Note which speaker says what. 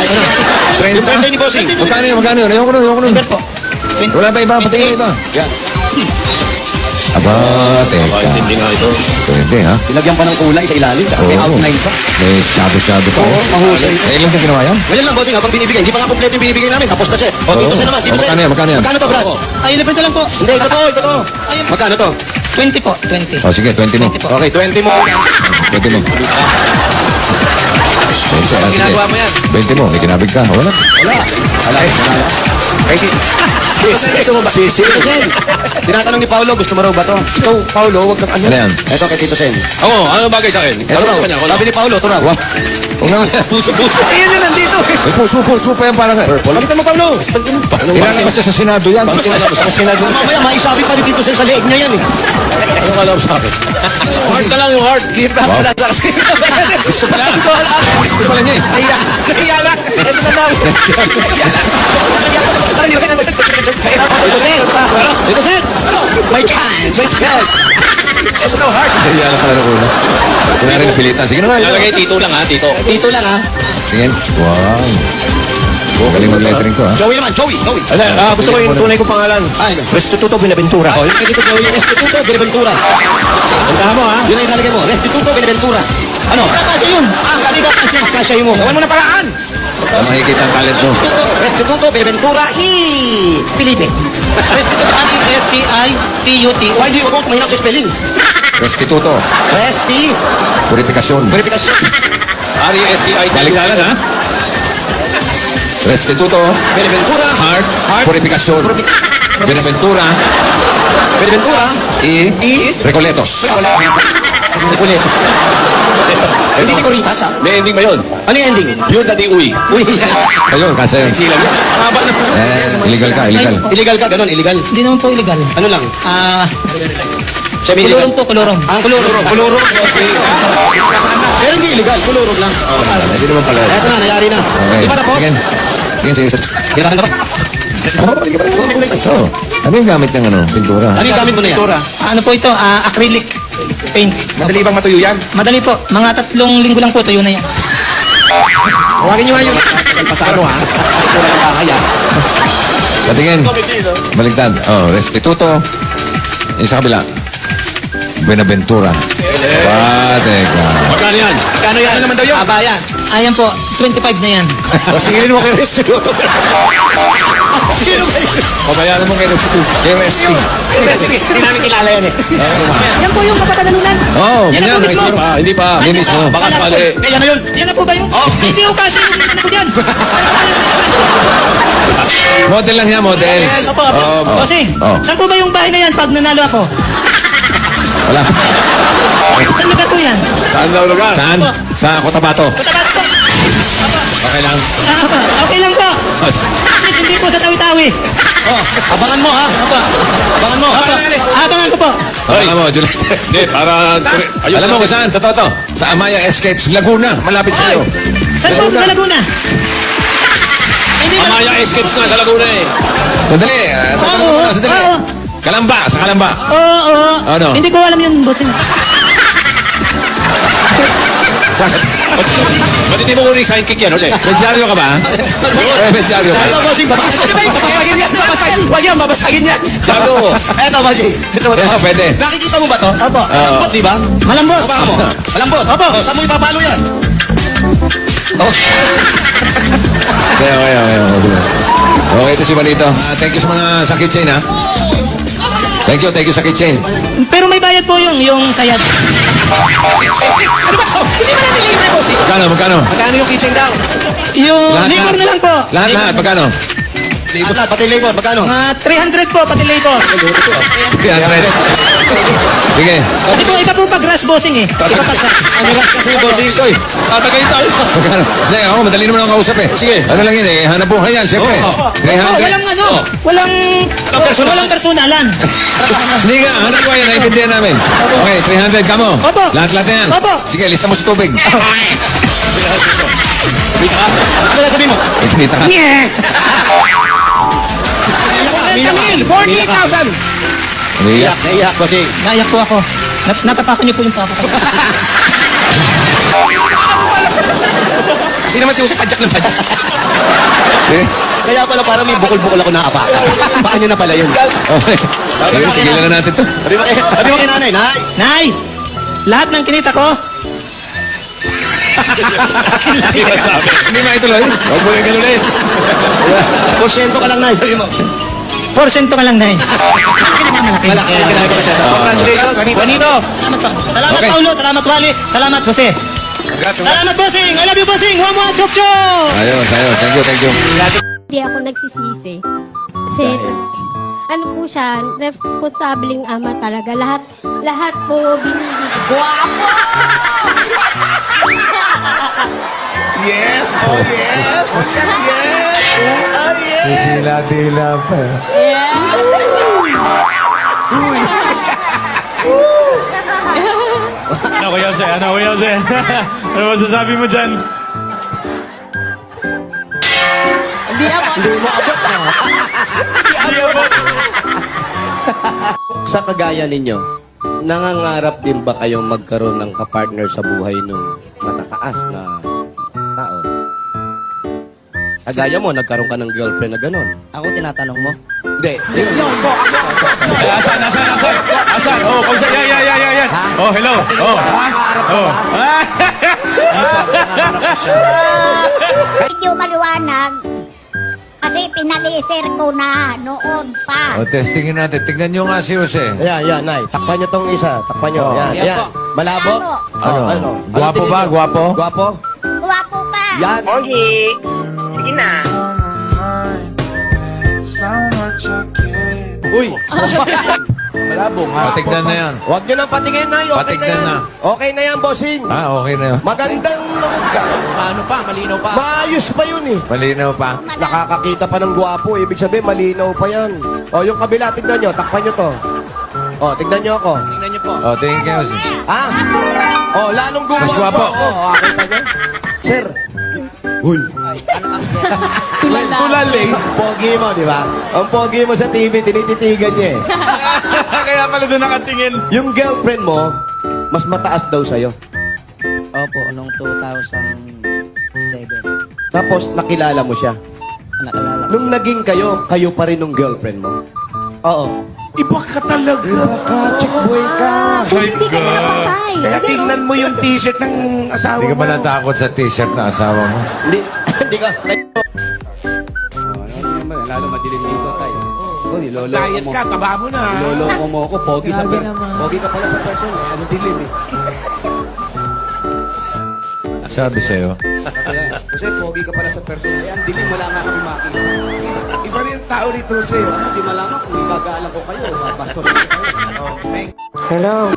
Speaker 1: Ayos na. Yung birthday ni Bossing.
Speaker 2: Magkano yun? Magkano yun? Ayoko nun.
Speaker 3: Number po.
Speaker 2: Wala pa iba, patingin iba.
Speaker 1: Yan.
Speaker 2: Aba, teka.
Speaker 1: Hindi nga ito.
Speaker 2: Pwede, ha?
Speaker 1: Pinagyan pa ng kulay sa ilalim. May
Speaker 2: Oo.
Speaker 1: outline pa.
Speaker 2: May shadow pa.
Speaker 1: Oo, mahusay.
Speaker 2: Eh, ilan ka ginawa yan?
Speaker 1: Ngayon lang, Bossing, habang binibigay. Hindi pa nga kompleto yung binibigay namin. Tapos na siya. O, dito siya naman. Dito siya.
Speaker 2: Magkano yan? Magkano yan?
Speaker 1: Magkano to, Brad?
Speaker 3: Ay, 11 na lang po.
Speaker 1: Hindi, ito to. Magkano to?
Speaker 3: 20 po. 20.
Speaker 2: O, sige, 20 mo.
Speaker 3: 20 po.
Speaker 1: Okay, 20 mo.
Speaker 2: 20 mo. 20,
Speaker 1: Ang ginagawa mo yan?
Speaker 2: 20 mo, may kinabig ka. Wala.
Speaker 1: Wala. Gusto mo ba? Tito Sen. Tinatanong ni Paolo, gusto mo raw ba to? Ikaw, Paolo, wag kang ano.
Speaker 2: Ano yan?
Speaker 1: Ito kay Tito Sen.
Speaker 4: Oo, ano bagay sa akin?
Speaker 1: Ito raw. Sabi ni Paolo, ito raw.
Speaker 2: Wah. Huwag naman yan.
Speaker 4: Puso.
Speaker 1: Ayan na nandito.
Speaker 2: May puso pa yan parang...
Speaker 1: Palitan mo, Paolo.
Speaker 2: Ilan kasi sa Senado yan.
Speaker 1: Sa Senado. Mamaya, maisabi pa ni Tito Sen sa leeg niya yan eh.
Speaker 4: Ano ka lang sa akin? Heart na lang yung heart.
Speaker 1: Give back pala sa kasi.
Speaker 2: Gusto pala. Gusto pala niya eh.
Speaker 1: Nahiya lang. Ito na daw. Tito Sen. Tito Sen. May chance. May chance. Ito na heart.
Speaker 2: Kaya na pala ng una. Kaya rin napilitan. Sige na nga.
Speaker 4: Lalagay tito lang ha, tito.
Speaker 1: Dito lang ha.
Speaker 2: Sige. Wow. Galing mag-lettering ko ha.
Speaker 1: Joey naman, Joey.
Speaker 4: Gusto ko yung tunay kong pangalan.
Speaker 1: Ay, Restituto Benaventura. Oh, yung kay Tito Joey, Restituto Benaventura.
Speaker 4: Tandaan mo ha.
Speaker 1: Yun ang ilalagay mo, Restituto Benaventura. Ano?
Speaker 3: Kasi yun.
Speaker 1: Kasya mo.
Speaker 3: Gawan mo na paraan.
Speaker 2: Makikita ang talent mo.
Speaker 1: Restituto Benaventura Felipe.
Speaker 3: R-E-S-T-I-T-U-T.
Speaker 1: Why do you want mahirap sa spelling?
Speaker 2: Restituto. Purifikasyon.
Speaker 1: Verification.
Speaker 4: R-E-S-T-I.
Speaker 2: Baliktaran ha. Restituto.
Speaker 1: Benaventura.
Speaker 2: Heart. Purifikasyon. Benaventura.
Speaker 1: Benaventura.
Speaker 2: Recoletos.
Speaker 1: Nicoletos. Hindi ni Coritas ha?
Speaker 4: May ending ba yun?
Speaker 1: Ano yung ending?
Speaker 4: Yun na di uwi.
Speaker 1: Uy,
Speaker 2: Ayun, kasi yun.
Speaker 4: Silang yun. Haba na po.
Speaker 2: Illegal ka, illegal.
Speaker 1: illegal ka, ganun, illegal.
Speaker 3: Hindi naman po illegal.
Speaker 1: Ano lang?
Speaker 3: Kulurong po, kulurong.
Speaker 1: Kulurong. Okay. Pero hindi illegal, kulurong lang.
Speaker 2: Hindi naman pala.
Speaker 1: Eto na, nangyari na.
Speaker 2: Okay.
Speaker 1: Di ba tapos?
Speaker 2: Sige.
Speaker 1: Ginahan na ba?
Speaker 2: Oh. Ano yung gamit ng pintura?
Speaker 1: Ano yung gamit mo na yan?
Speaker 3: Ano po ito? Acrylic paint.
Speaker 1: Madali bang matuyo yan?
Speaker 3: Madali po. Mga 3 linggo lang po, tuyo na yan.
Speaker 1: Huwagin nyo nga yung... Pasano ha? Ito na yung bahay ha?
Speaker 2: Patingin. Baliktad. Oh, Restituto. Yung sa kabila. Benaventura. Teka.
Speaker 4: Magkano yan?
Speaker 1: Kano yan? Ano naman daw yun? Abayan.
Speaker 3: Ayan po, 25 na yan.
Speaker 1: O singilin mo kay Restituto. Sino ba yun?
Speaker 2: Pabayaran mo kay Restituto. Kay Resti.
Speaker 1: Hindi namin kilala yan eh.
Speaker 3: Yan po yung kapatadalunan.
Speaker 2: Oh,
Speaker 3: Yan
Speaker 2: ganyan.
Speaker 3: ang mismo.
Speaker 4: Hindi pa.
Speaker 2: Hindi mismo.
Speaker 4: Baka sakali.
Speaker 1: Yan na yun.
Speaker 3: Yan na po ba yung? Hindi ko kasi yung ano ko dyan.
Speaker 2: Model lang yan, model.
Speaker 3: Opo. Kasi,
Speaker 2: Oh.
Speaker 3: saan po ba yung bahay na yan pag nanalo ako?
Speaker 2: Wala.
Speaker 3: Saan lugar po yan?
Speaker 4: Saan daw lugar?
Speaker 2: Saan? Sa Cotabato.
Speaker 3: Cotabato po.
Speaker 2: Okay lang.
Speaker 3: Okay lang po. Please, hindi po sa Tawi-Tawi.
Speaker 1: Oh, abangan mo ha. Abangan mo.
Speaker 3: Abangan ko po.
Speaker 2: Alam mo, Juliet.
Speaker 4: Hindi, para... Ayos
Speaker 2: Alam mo kung saan? Totoo to. Sa Amaya Escapes, Laguna. Malapit sa'yo.
Speaker 3: Saan po sa Laguna? Hindi ba?
Speaker 4: Amaya Escapes nga sa Laguna eh.
Speaker 2: Sandali. Tatanong ko na. Sandali.
Speaker 3: Oo.
Speaker 2: Kalamba. Sa Kalamba.
Speaker 3: Oo.
Speaker 2: Ano?
Speaker 3: Hindi ko alam yun, boss.
Speaker 4: Ba't hindi mo kunin sign kick yan, Jose?
Speaker 2: Medyaryo ka ba? Medyaryo ka.
Speaker 1: Ito, bossing, babasagin yan. Huwag yan, babasagin yan.
Speaker 4: Sago.
Speaker 1: Eto, bossing.
Speaker 2: Ito, pwede.
Speaker 1: Nakikita mo ba to?
Speaker 3: Opo.
Speaker 1: Malambot, di ba?
Speaker 3: Malambot.
Speaker 1: Hawakan mo. Malambot.
Speaker 3: Opo.
Speaker 1: Oh, saan mo ipapalo yan?
Speaker 2: Okay. Okay, ito si Manito. Thank you sa mga sa kitchen, ha? Thank you sa kitchen.
Speaker 3: Pero may bayad po yung sayad.
Speaker 1: Ano ba to? Hindi ba namin libre, bossing?
Speaker 2: Magkano?
Speaker 1: Magkano yung kitchen daw?
Speaker 3: Yung labor na lang po.
Speaker 2: Lahat, magkano?
Speaker 1: Lahat, pati labor, magkano?
Speaker 3: Mga 300 po, pati labor.
Speaker 2: 300. Sige.
Speaker 3: Kasi po, iba po pag grass bossing eh. Iba pag
Speaker 1: Ano lang kasi, bossing?
Speaker 2: Soy,
Speaker 4: Tatagay tayo.
Speaker 2: magkano? Hindi, ako, madali naman ako kausap eh.
Speaker 4: Sige.
Speaker 2: Ano lang yun eh, hanap buhay yan, siyempre. 300.
Speaker 3: walang ano, walang personalan.
Speaker 2: Hindi nga, hanap buhay yan, naiintindihan namin. Okay, 300 ka mo.
Speaker 3: Opo.
Speaker 2: Lahat na yan.
Speaker 3: Opo.
Speaker 2: Sige, lista mo sa tubig.
Speaker 1: Ano na sabihin mo?
Speaker 2: Kita ka.
Speaker 1: Umiyak ka.
Speaker 4: 48,000.
Speaker 2: Umiiyak.
Speaker 1: Naiyak, bossing.
Speaker 3: Naiyak po ako. Natapakan niyo po yung papa ko.
Speaker 1: Kasi naman si Jose padyak ng padyak.
Speaker 2: Eh,
Speaker 1: Kaya pala parang may bukol-bukol ako naapakan. Paan nyo na pala yun.
Speaker 2: okay. Ayun, tigilan na natin to.
Speaker 1: Sabi mo kay nanay, nay.
Speaker 3: Nay! Lahat ng kinita ko,
Speaker 2: Hindi maituloy.
Speaker 4: Huwag mo yung ganunin.
Speaker 1: Porsyento ka lang, nay. Sabi mo.
Speaker 3: porsyento ka lang, Nay.
Speaker 1: Malaki. Kailangan ko siya. Congratulations, Juanito.
Speaker 3: Salamat po. Salamat,
Speaker 2: Okay.
Speaker 3: Paulo. Salamat, Wally. Salamat, Jose. Salamat, Bossing. I love you, Bossing. Wamwa, chok chok.
Speaker 2: Ayos. Thank you.
Speaker 5: Hindi ako nagsisisi. Kasi, ano po siya, responsableng ama talaga. Lahat po binili. Guwapo!
Speaker 1: Yes! Oh, yes! Yes! Oh, yes!
Speaker 2: Dila pa.
Speaker 4: Ano, Kuya Jose? Ano masasabi mo dyan?
Speaker 1: Sa kagaya ninyo, nangangarap din ba kayong magkaroon ng kapartner sa buhay nung matataas na tao? Kagaya mo, nagkaroon ka ng girlfriend na gano'n.
Speaker 3: Ako tinatanong mo?
Speaker 1: Hindi.
Speaker 4: Asan? Oh, kausa. Yan. Oh, hello. Oh. Oh.
Speaker 6: Medyo maliwanag kasi pinaliser ko na noon pa.
Speaker 2: O, testingin natin. Tignan nyo nga si Jose.
Speaker 1: Yan, nay. Takpan nyo tong isa. Takpan nyo. Yan. Malabo?
Speaker 6: Ano?
Speaker 2: Guwapo ba? Guwapo?
Speaker 1: Guwapo?
Speaker 6: Guwapo pa.
Speaker 1: Yan. Uy! Malabo nga.
Speaker 2: Patignan na yan.
Speaker 1: Huwag nyo nang patingin, nay. Okay
Speaker 2: Patignan
Speaker 1: na
Speaker 2: na.
Speaker 1: yan. Okay na yan, bossing.
Speaker 2: Okay na yun.
Speaker 1: Magandang mamugka.
Speaker 3: Paano pa? Malinaw pa.
Speaker 1: Maayos pa yun eh.
Speaker 2: Malinaw pa.
Speaker 1: Nakakakita pa ng gwapo. Ibig sabihin, malinaw pa yan. O, yung kabila, tignan nyo. Takpan nyo to. O, tignan nyo ako.
Speaker 3: Tingnan niyo po.
Speaker 2: O, tingin kayo.
Speaker 1: Ha? O, lalong gumawa.
Speaker 2: Mas gwapo.
Speaker 1: O, kita nyo. Sir. Uy. Tulaling. Pogi mo, di ba? Ang pogi mo sa TV, tinititigan niya eh.
Speaker 4: Kaya pala doon nakatingin.
Speaker 1: Yung girlfriend mo, mas mataas daw sa'yo.
Speaker 3: Opo, noong 2007.
Speaker 1: Tapos, nakilala mo siya.
Speaker 3: Nakalala.
Speaker 1: Nung naging kayo, kayo pa rin ng girlfriend mo.
Speaker 3: Oo.
Speaker 1: Iba ka talaga. Iba ka, chick boy ka.
Speaker 5: Hindi ka na napatay.
Speaker 1: Kaya tingnan mo yung t-shirt ng asawa
Speaker 2: Hindi ka ba natakot sa t-shirt na asawa mo?
Speaker 1: Hindi, hindi ka. Lalo madilim dito, tay. Oh, niloloko
Speaker 7: Diet
Speaker 1: mo.
Speaker 7: ka, taba mo na.
Speaker 1: Niloloko mo ako. Pogi sa Pogi ka pala sa person. Eh. Ano dilim eh.
Speaker 2: Sabi sa'yo.
Speaker 1: Kasi pogi ka pala sa person. Eh, ang dilim, wala nga kami makita.
Speaker 7: Iba rin yung tao rito sa'yo.
Speaker 1: Hindi malaman kung igagalang ko kayo. Babastos ko kayo. Oh, thank